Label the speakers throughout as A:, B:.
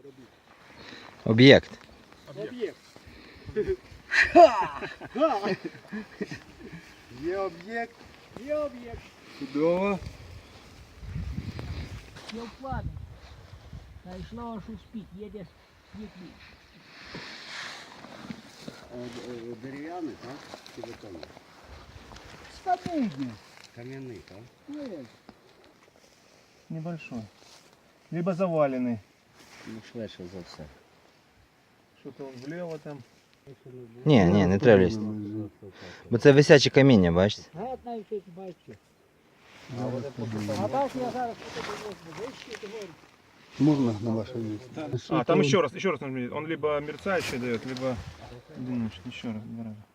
A: Об'єкт.
B: Об'єкт. Є об'єкт. Є об'єкт. Чудово.
C: Все вкладно. Дійшло аж успіть, їде світлі.
B: Дерев'яний, так? Чи бетонний?
D: Стабильный.
B: Кам'яний, так?
D: Нет. Небольшой. Либо заваленный.
B: Ну, швидше за все.
D: Что-то он влево там.
A: Ні, не треба лізти. Бо це висяче каміння, бачите?
C: Гад навіть тут бачу.
D: Зараз
C: А бачу, я зараз буду вище, ти говориш.
B: Можна на ваше місце?
D: А, там еще раз нажми. Он либо мерцающий дает, либо... Думаешь, еще раз, 2 раза.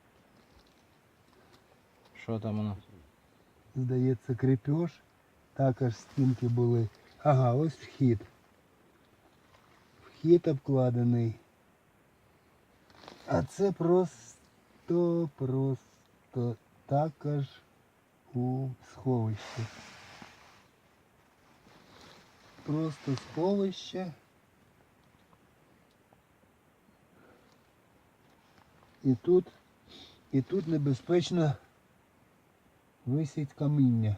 A: Що там воно?
B: Здається, крепеж. Також стінки були. Ага, ось вхід. Вхід обкладений. А це просто також у сховищі. Просто сховище. І тут небезпечно висить каміння.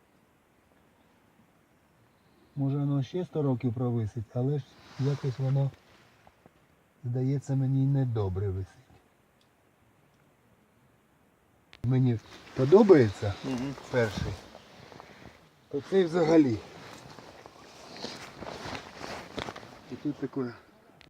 B: Може воно ще 100 років провисить, але ж якось воно, здається, мені недобре висить. Мені подобається перший, то цей взагалі. І тут таке